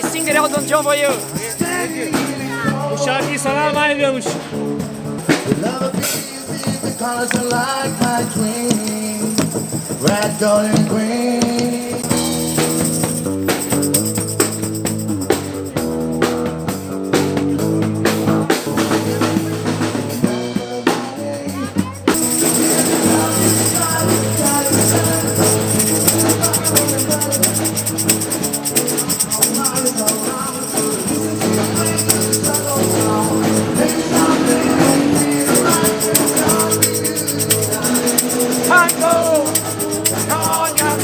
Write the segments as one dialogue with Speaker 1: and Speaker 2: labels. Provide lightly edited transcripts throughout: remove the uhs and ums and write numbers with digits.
Speaker 1: sing the Elton John for you.
Speaker 2: Bu şarkıyı sana armağan ediyormuş.
Speaker 3: Red, gold, and green.
Speaker 1: Tango! Cognac!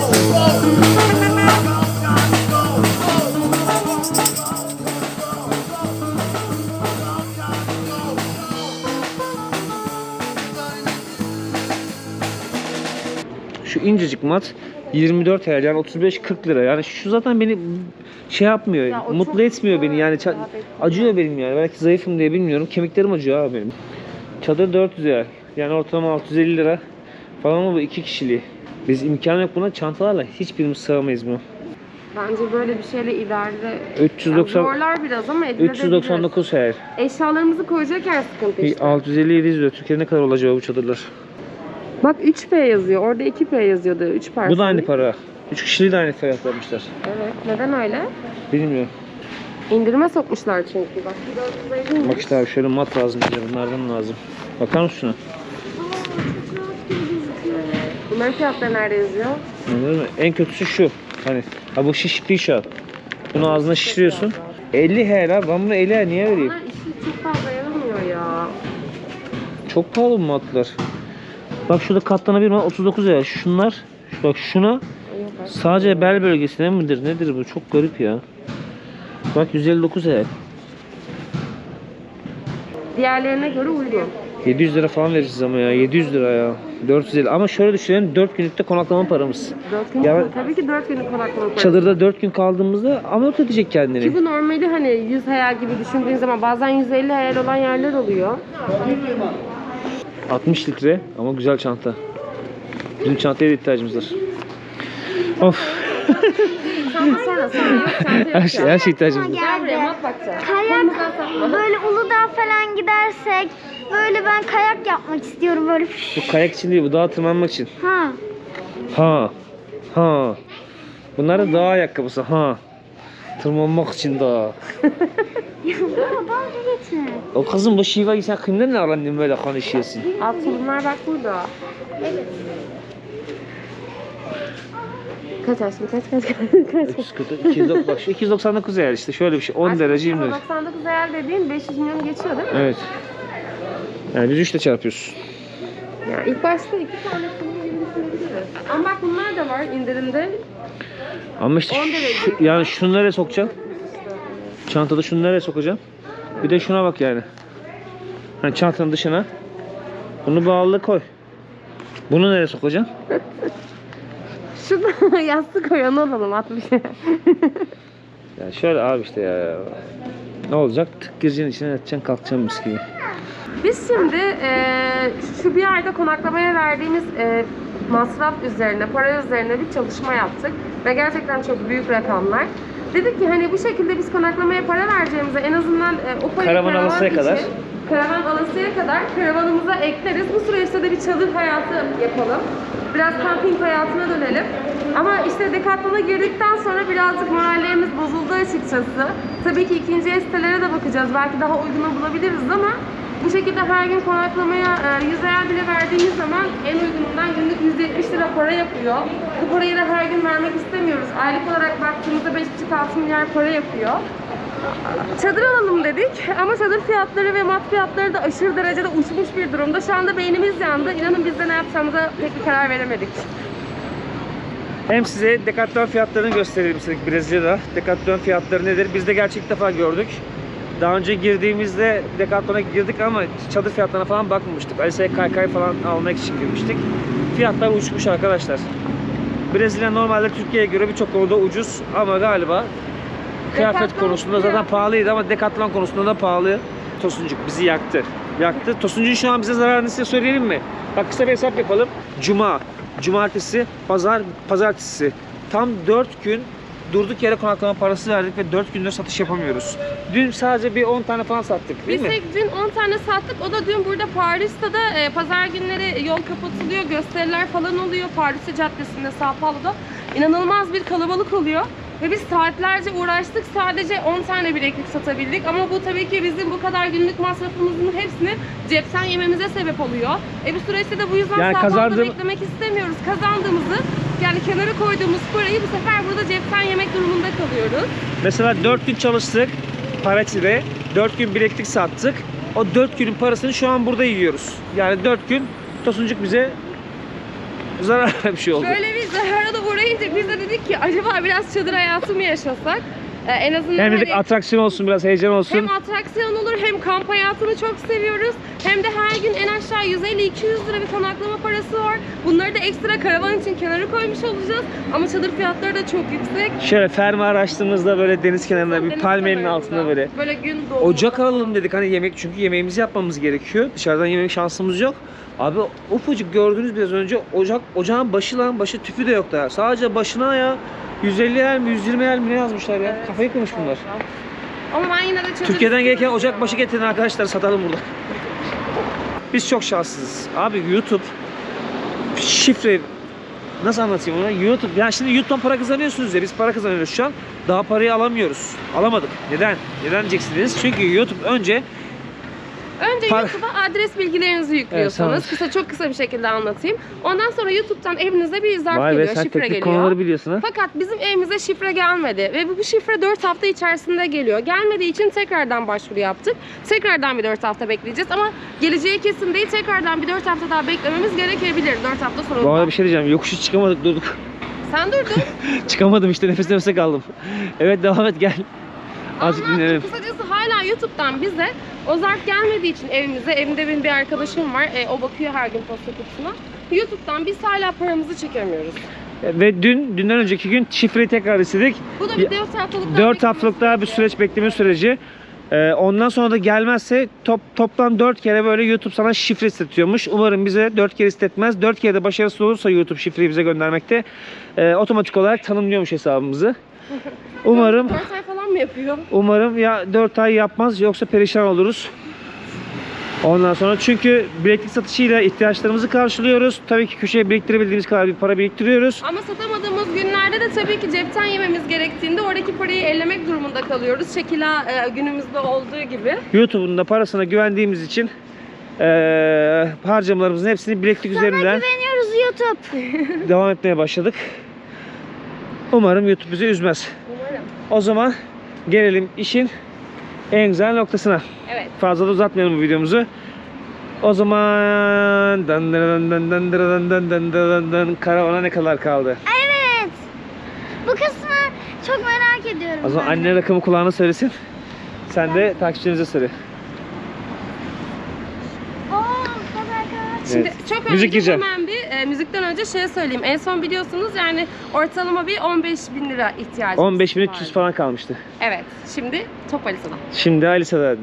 Speaker 2: Şu incecik mat 24 TL yani 35-40 lira. Yani şu zaten beni şey yapmıyor,
Speaker 4: Ya o
Speaker 2: mutlu
Speaker 4: çok
Speaker 2: etmiyor beni yani.
Speaker 4: rahat etmiyor.
Speaker 2: Acıyor benim yani. Belki zayıfım diye bilmiyorum. Kemiklerim acıyor abi benim. Çadır 400 lira. Yani ortalama 650 lira falan ama bu 2 kişiliği. Biz imkan yok buna, çantalarla hiçbirimiz sığamayız bunu.
Speaker 4: Bence böyle bir şeyle ileride
Speaker 2: 390
Speaker 4: yani zorlar biraz ama edilebilir.
Speaker 2: 399 her.
Speaker 4: Eşyalarımızı koyacak yer sıkıntı işte.
Speaker 2: 650-700 lira. Türkiye'de ne kadar olacak bu çadırlar?
Speaker 4: Bak 3P yazıyor. Orada 2P yazıyordu. 3 parça.
Speaker 2: Bu da aynı para. 3 kişiliği de aynı fiyat vermişler.
Speaker 4: Evet. Neden öyle?
Speaker 2: Bilmiyorum.
Speaker 4: İndirime sokmuşlar çünkü. Bak 450'ymiş.
Speaker 2: Bak işte abi şöyle mat lazım bize. Bunlardan lazım. Bakar mısın şuna?
Speaker 4: Bunların fiyatları nerede yazıyor?
Speaker 2: Anladın mı? En kötüsü şu. Hani ha bu şişikliği şu an. Bunu ağzına şişiriyorsun. 50 her abi. Ben bunu 50 her niye vereyim?
Speaker 4: Bunlar işi çok fazla yaramıyor ya.
Speaker 2: Çok pahalı bu matlar. Bak şurada katlanabilir mi? 39 lira. Şunlar. Bak şuna sadece bel bölgesine midir? Nedir bu? Çok garip ya. Bak 159 lira.
Speaker 4: Diğerlerine göre uygun.
Speaker 2: 700 lira falan vereceğiz ama ya. 700 lira ya. 450. Ama şöyle düşünelim. 4 günlükte konaklama paramız.
Speaker 4: 4 gün,
Speaker 2: Ya-
Speaker 4: tabii ki 4 günlük konaklama parası.
Speaker 2: Çadırda 4 gün kaldığımızda amorti edecek kendini.
Speaker 4: Ki bu normali hani 100 hayal gibi düşündüğün zaman bazen 150 hayal olan yerler oluyor.
Speaker 2: 60 litre ama güzel çanta. Bizim çantaya da ihtiyacımız var. Of.
Speaker 4: Sonra yok çanta yok
Speaker 2: Her şey, her şey ihtiyacımız var.
Speaker 4: Gel buraya mat bakacağız.
Speaker 5: Kayak böyle Uludağ falan gidersek böyle ben kayak yapmak istiyorum böyle.
Speaker 2: Bu kayak için değil, bu dağa tırmanmak için.
Speaker 5: Ha.
Speaker 2: Ha. Ha. Bunlar da dağ ayakkabısı. Ha. Tırmanmak için dağa.
Speaker 5: Ya baba dalga geçme.
Speaker 2: O kızın bu şiva sen kimden ne alandın böyle konuşuyorsun?
Speaker 4: Alt tulumlar bak burada. Kaç aşkım kaç.
Speaker 2: 290, bak şu 299 yer işte şöyle bir şey. 10 derece 20 derece.
Speaker 4: 99 hayal dediğin 500 milyon geçiyor değil mi?
Speaker 2: Evet. Yani biz 3 ile çarpıyoruz.
Speaker 4: Ya ilk başta 2 tane tulum gibi düşünebiliriz. Ama bak bunlar da var indirimde.
Speaker 2: Ama işte
Speaker 4: 10 derece.
Speaker 2: yani şunu nereye sokacaksın? Çantada şunu nereye sokacaksın? Bir de şuna bak yani. Hani çantanın dışına. Bunu bağlı koy. Bunu nereye sokacaksın?
Speaker 4: Şurada yastık koy onu alalım 60.
Speaker 2: Ya şöyle abi işte ya. Ne olacak? Tık gireceksin içine yatacaksın kalkacaksın mis gibi.
Speaker 4: Biz şimdi şu bir ayda konaklamaya verdiğimiz masraf üzerine, para üzerine bir çalışma yaptık. Ve gerçekten çok büyük rakamlar. Dedik ki hani bu şekilde biz konaklamaya para vereceğimize en azından o parayı
Speaker 2: Karavan alasıya
Speaker 4: için,
Speaker 2: kadar.
Speaker 4: Karavan alasıya kadar karavanımıza ekleriz. Bu süreçte de bir çadır hayatı yapalım. Biraz kamping hayatına dönelim. Ama işte Decathlon'a girdikten sonra birazcık morallerimiz bozuldu açıkçası. Tabii ki ikinci el sitelere de bakacağız. Belki daha uyguna bulabiliriz ama bu şekilde her gün konaklamaya 100 hayal bile verdiğimiz zaman en uygunundan günlük 170 lira para yapıyor. Bu parayı da her gün vermek istemiyoruz. Aylık olarak baktığımızda 5,5-6 milyar para yapıyor. Çadır alalım dedik ama çadır fiyatları ve mat fiyatları da aşırı derecede uçmuş bir durumda. Şu anda beynimiz yandı. İnanın biz de ne yapacağımıza pek bir karar veremedik.
Speaker 2: Hem size Decathlon fiyatlarını gösterelim istedik Brezilya'da. Decathlon fiyatları nedir? Biz de gerçek ilk defa gördük. Daha önce girdiğimizde Decathlon'a girdik ama çadır fiyatlarına falan bakmamıştık. Alisa'ya kaykay falan almak için girmiştik. Fiyatlar uçmuş arkadaşlar. Brezilya normalde Türkiye'ye göre birçok konuda ucuz ama galiba kıyafet
Speaker 4: Decathlon
Speaker 2: konusunda zaten pahalıydı ama Decathlon konusunda da pahalı. Tosuncuk bizi yaktı. Yaktı. Tosuncuk'un şu an bize zararını size söyleyelim mi? Bak kısa bir hesap yapalım. Cuma, cumartesi, pazar, pazartesi. Tam 4 gün durduk yere konaklama parası verdik ve 4 gündür satış yapamıyoruz. Dün sadece bir 10 tane falan sattık değil
Speaker 4: Biz
Speaker 2: mi?
Speaker 4: tek dün 10 tane sattık. O da dün burada Paris'te de pazar günleri yol kapatılıyor. Gösteriler falan oluyor. Paris Caddesi'nde, São Paulo'da. İnanılmaz bir kalabalık oluyor. Ve biz saatlerce uğraştık. Sadece 10 tane bileklik satabildik. Ama bu tabii ki bizim bu kadar günlük masrafımızın hepsini cepten yememize sebep oluyor. Bu süreçte de bu yüzden
Speaker 2: Yani
Speaker 4: São Paulo'da
Speaker 2: kazandım-
Speaker 4: beklemek istemiyoruz. Kazandığımızı yani kenara koyduğumuz parayı bu sefer burada cepten yemek durumunda kalıyoruz.
Speaker 2: Mesela 4 gün çalıştık Paratya'da. 4 gün bileklik sattık. O 4 günün parasını şu an burada yiyoruz. Yani 4 gün Tosuncuk bize zararlı bir şey oldu.
Speaker 4: Böyle bir zarara da uğrayınca biz de dedik ki acaba biraz çadır hayatı mı yaşasak? En azından
Speaker 2: Hem dedik
Speaker 4: hani
Speaker 2: atraksiyon olsun, biraz heyecan olsun.
Speaker 4: hem atraksiyon olur hem kamp hayatını çok seviyoruz. Hem de her gün en aşağı 150-200 lira bir konaklama parası var. Bunları da ekstra karavan için kenara koymuş olacağız. Ama çadır fiyatları da çok yüksek.
Speaker 2: Şöyle fermuar açtığımızda böyle deniz kenarında bir
Speaker 4: Deniz
Speaker 2: palmiyenin
Speaker 4: kenarında,
Speaker 2: altında böyle.
Speaker 4: Böyle gün doğumunda.
Speaker 2: Ocak alalım dedik hani yemek, çünkü yemeğimizi yapmamız gerekiyor. Dışarıdan yemek şansımız yok. Abi ufacık gördünüz biraz önce ocağın başı lan, başı tüpü de yok daha. Sadece başına ya 150 el mi 120 el mi ne yazmışlar ya.
Speaker 4: Evet.
Speaker 2: Kafayı kırmış bunlar.
Speaker 4: Ama ben yine de çadır
Speaker 2: Türkiye'den gelirken
Speaker 4: istiyorum
Speaker 2: ocak
Speaker 4: ya.
Speaker 2: başı getirin arkadaşlar, satalım burada. Biz çok şanssızız. Abi YouTube şifre nasıl anlatayım onu? YouTube, yani şimdi YouTube'dan para kazanıyorsunuz ya, biz para kazanıyoruz şu an. Daha parayı alamıyoruz. Alamadık. Neden? Neden diyeceksiniz? Çünkü YouTube önce
Speaker 4: Önce YouTube'a adres bilgilerinizi yüklüyorsanız,
Speaker 2: Evet,
Speaker 4: çok kısa bir şekilde anlatayım. Ondan sonra YouTube'dan evinize bir zarf
Speaker 2: vay be,
Speaker 4: geliyor,
Speaker 2: sen
Speaker 4: şifre
Speaker 2: teknik
Speaker 4: geliyor.
Speaker 2: konuları biliyorsun ha.
Speaker 4: Fakat bizim evimize şifre gelmedi ve bu şifre 4 hafta içerisinde geliyor. Gelmediği için tekrardan başvuru yaptık. Tekrardan bir 4 hafta bekleyeceğiz ama geleceği kesin değil. Tekrardan bir 4 hafta daha beklememiz gerekebilir 4 hafta sonra.
Speaker 2: Bu arada bir şey diyeceğim. Yokuşu çıkamadık, durduk.
Speaker 4: Sen durdun.
Speaker 2: Çıkamadım işte, nefes nefese kaldım. Evet, devam et, gel. Azıcık
Speaker 4: Anlattım.
Speaker 2: dinleyelim.
Speaker 4: Kısacası hala YouTube'dan bize o zarf gelmediği için evimize, evimde benim bir arkadaşım var. O bakıyor her gün posta kutusuna. YouTube'dan biz hala paramızı çekemiyoruz.
Speaker 2: Ve dünden önceki gün şifreyi tekrar istedik.
Speaker 4: Bu da bir 4 haftalık daha
Speaker 2: 4 haftalık daha bir süreç, bekleme süreci. Ondan sonra da gelmezse toplam 4 kere böyle YouTube sana şifre istetiyormuş. Umarım bize 4 kere istetmez. 4 kere de başarısız olursa YouTube şifreyi bize göndermekte otomatik olarak tanımlıyormuş hesabımızı. Umarım
Speaker 4: 4 ay falan mı yapıyor?
Speaker 2: Umarım ya 4 ay yapmaz, yoksa perişan oluruz. Ondan sonra çünkü bileklik satışıyla ihtiyaçlarımızı karşılıyoruz. Tabii ki köşeye biriktirebildiğimiz kadar bir para biriktiriyoruz.
Speaker 4: Ama satamadığımız günlerde de tabii ki cepten yememiz gerektiğinde oradaki parayı ellemek durumunda kalıyoruz. Şekila günümüzde olduğu gibi.
Speaker 2: YouTube'un da parasına güvendiğimiz için harcamalarımızın hepsini bileklik üzerinden
Speaker 5: Güveniyoruz YouTube.
Speaker 2: devam etmeye başladık. Umarım YouTube bizi üzmez.
Speaker 4: Umarım.
Speaker 2: O zaman gelelim işin en güzel noktasına.
Speaker 4: Evet.
Speaker 2: Fazla da uzatmayalım bu videomuzu. O zaman karavana ne kadar kaldı?
Speaker 5: Evet. Bu kısmı çok merak ediyorum.
Speaker 2: O zaman
Speaker 5: ben de.
Speaker 2: anne rakamı kulağına söylesin. Sen de takipçinize söyle.
Speaker 4: Şimdi
Speaker 2: Evet.
Speaker 4: çok
Speaker 2: Müzik
Speaker 4: önce
Speaker 2: gireceğim.
Speaker 4: hemen bir müzikten önce şey söyleyeyim. En son biliyorsunuz yani ortalama bir 15.000 lira ihtiyacımız
Speaker 2: 15.300
Speaker 4: vardı.
Speaker 2: falan kalmıştı.
Speaker 4: Evet. Şimdi top Alisa'da.
Speaker 2: Şimdi Alisa'da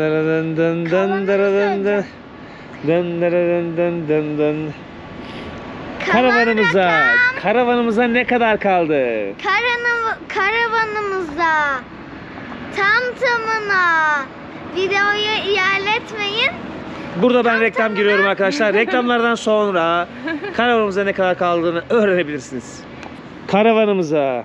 Speaker 2: karavanımıza ne kadar kaldı?
Speaker 5: Karavanımıza tam tamına videoyu ilerletmeyin.
Speaker 2: Burada ben reklam giriyorum arkadaşlar. Reklamlardan sonra karavanımıza ne kadar kaldığını öğrenebilirsiniz. Karavanımıza,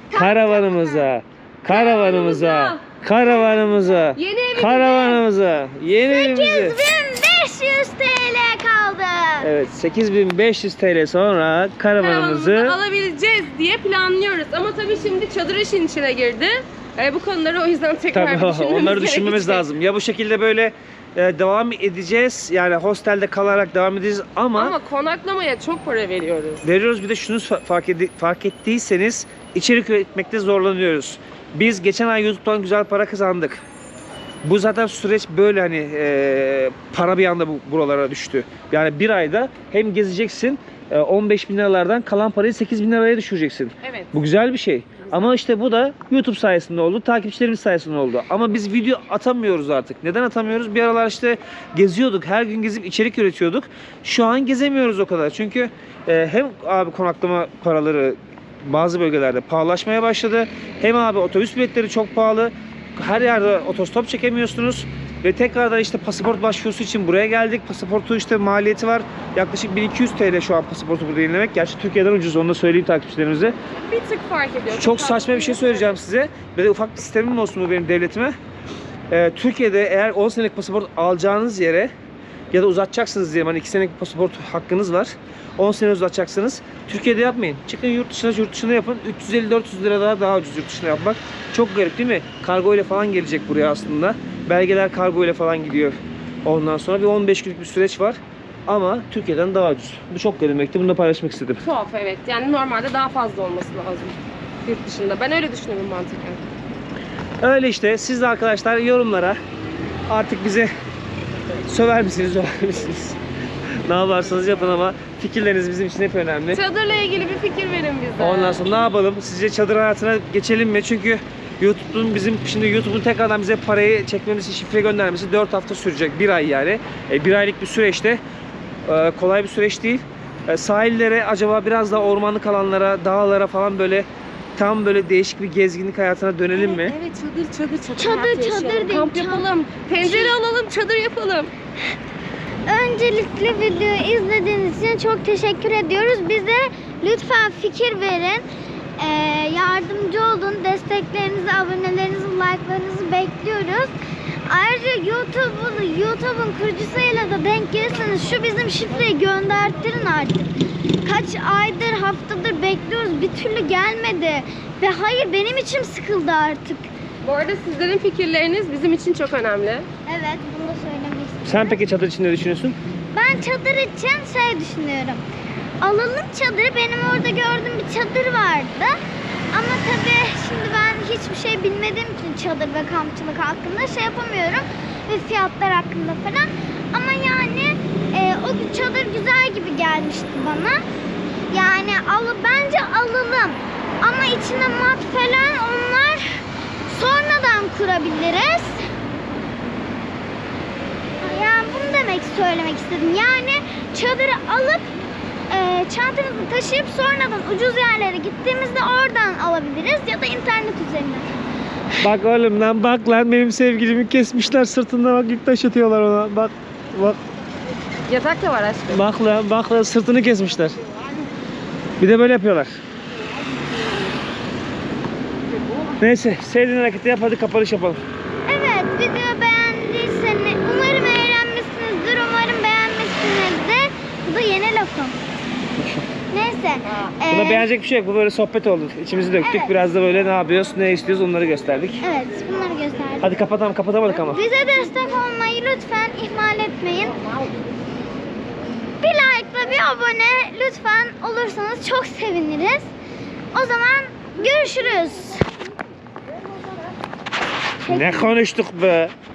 Speaker 4: Yeni evimize.
Speaker 2: karavanımıza, yeni evimize.
Speaker 5: 8500 TL kaldı.
Speaker 2: Evet, 8500 TL sonra
Speaker 4: Karavanımızı
Speaker 2: karavanımızı
Speaker 4: alabileceğiz diye planlıyoruz. Ama tabii şimdi çadır işin içine girdi. Bu konuları o yüzden tekrar
Speaker 2: tabii
Speaker 4: düşünmemiz
Speaker 2: onları düşünmemiz
Speaker 4: gerekecek.
Speaker 2: lazım. Ya bu şekilde böyle devam edeceğiz. Yani hostelde kalarak devam edeceğiz
Speaker 4: Ama konaklamaya çok para veriyoruz.
Speaker 2: veriyoruz. Bir de şunu fark ettiyseniz içerik üretmekte zorlanıyoruz. Biz geçen ay YouTube'dan güzel para kazandık. Bu zaten süreç böyle hani para bir anda buralara düştü. Yani bir ayda hem gezeceksin 15.000 liralardan kalan parayı 8.000 liraya düşüreceksin.
Speaker 4: Evet.
Speaker 2: Bu güzel bir şey. Ama işte bu da YouTube sayesinde oldu, takipçilerimiz sayesinde oldu. Ama biz video atamıyoruz artık. Neden atamıyoruz? Bir aralar işte geziyorduk, her gün gezip içerik üretiyorduk. Şu an gezemiyoruz o kadar. Çünkü hem abi konaklama paraları bazı bölgelerde pahalaşmaya başladı. Hem abi otobüs biletleri çok pahalı. Her yerde otostop çekemiyorsunuz. Ve tekrardan işte pasaport başvurusu için buraya geldik. Pasaportu işte maliyeti var. Yaklaşık 1200 TL şu an pasaportu burada yenilemek. Gerçi Türkiye'den ucuz, onu da söyleyeyim takipçilerimize.
Speaker 4: Bir tık fark ediyor.
Speaker 2: Çok saçma bir şey söyleyeceğim size. Böyle ufak bir sistemim olsun bu benim devletime. Türkiye'de eğer 10 senelik pasaport alacağınız yere ya da uzatacaksınız diye, hani 2 senelik pasaport hakkınız var. 10 sene uzatacaksınız. Türkiye'de yapmayın. Çıkın yurt dışına yapın. 350-400 lira daha ucuz yurt dışına yapmak. Çok garip değil mi? Kargo ile falan gelecek buraya aslında. Belgeler kargo ile falan gidiyor. Ondan sonra bir 15 günlük bir süreç var. Ama Türkiye'den daha ucuz. Bu çok garipti. Bunu da paylaşmak istedim.
Speaker 4: Tuhaf, evet. Yani normalde daha fazla olması lazım yurt dışında. Ben öyle düşünüyorum mantıken.
Speaker 2: Öyle işte. Siz de arkadaşlar yorumlara artık bize söver misiniz, söver misiniz? Ne yaparsanız yapın ama fikirleriniz bizim için hep önemli.
Speaker 4: Çadırla ilgili bir fikir verin bize.
Speaker 2: Ondan sonra ne yapalım? Sizce çadır hayatına geçelim mi? Çünkü YouTube'un tekrardan bize parayı çekmemiz, şifre göndermesi 4 hafta sürecek. 1 ay yani. 1 aylık bir süreçte kolay bir süreç değil. Sahillere, acaba biraz daha ormanlık alanlara, dağlara falan böyle tam böyle değişik bir gezginlik hayatına dönelim mi?
Speaker 4: Evet, çadır
Speaker 5: Çadır,
Speaker 4: hayatı
Speaker 5: çadır
Speaker 4: yaşayalım.
Speaker 5: değil,
Speaker 4: Kamp yapalım. Pencere alalım, çadır yapalım.
Speaker 5: Öncelikle videoyu izlediğiniz için çok teşekkür ediyoruz. Bize lütfen fikir verin. Yardımcı olun. Desteklerinizi, abonelerinizi, like'larınızı bekliyoruz. Ayrıca YouTube'un kurucusuyla da denk gelirseniz şu bizim şifreyi göndertirin artık. Kaç aydır, haftadır bekliyoruz. Bir türlü gelmedi. Ve hayır, benim içim sıkıldı artık.
Speaker 4: Bu arada sizlerin fikirleriniz bizim için çok önemli.
Speaker 5: Evet, bunu da söylemek istiyorum.
Speaker 2: Sen peki çadır için ne düşünüyorsun?
Speaker 5: Ben çadır için düşünüyorum. Alalım çadırı. Benim orada gördüğüm bir çadır vardı. Ama tabii şimdi ben hiçbir şey bilmediğim için çadır ve kampçılık hakkında şey yapamıyorum. Ve fiyatlar hakkında falan. Ama yani o çadır güzel gibi gelmişti bana. Yani bence alalım. Ama içine mat falan, onlar sonradan kurabiliriz. Yani bunu söylemek istedim. Yani çadırı alıp çantamızı taşıyıp sonradan ucuz yerlere gittiğimizde oradan alabiliriz ya da internet üzerinden.
Speaker 2: Bak oğlum lan, bak lan, benim sevgilimi kesmişler sırtında, bak yük taşıtıyorlar ona. Bak
Speaker 4: Yatak da var aşkım.
Speaker 2: bak lan sırtını kesmişler. Bir de böyle yapıyorlar. Neyse, sevdiğin hareketi yap, hadi kapanış yapalım.
Speaker 5: Evet, video beğendiyseniz umarım eğlenmişsinizdir, umarım beğenmişsinizdir. Bu da yeni lafım. Neyse.
Speaker 2: Buna beğenecek bir şey yok, bu böyle sohbet oldu. İçimizi döktük,
Speaker 5: Evet.
Speaker 2: Biraz da böyle ne yapıyoruz, ne istiyoruz onları gösterdik.
Speaker 5: Evet, bunları gösterdim.
Speaker 2: Hadi kapatamadık ama.
Speaker 5: Bize destek olmayı lütfen ihmal etmeyin. Bir like ve bir abone lütfen olursanız çok seviniriz. O zaman görüşürüz.
Speaker 2: Ne konuştuk be?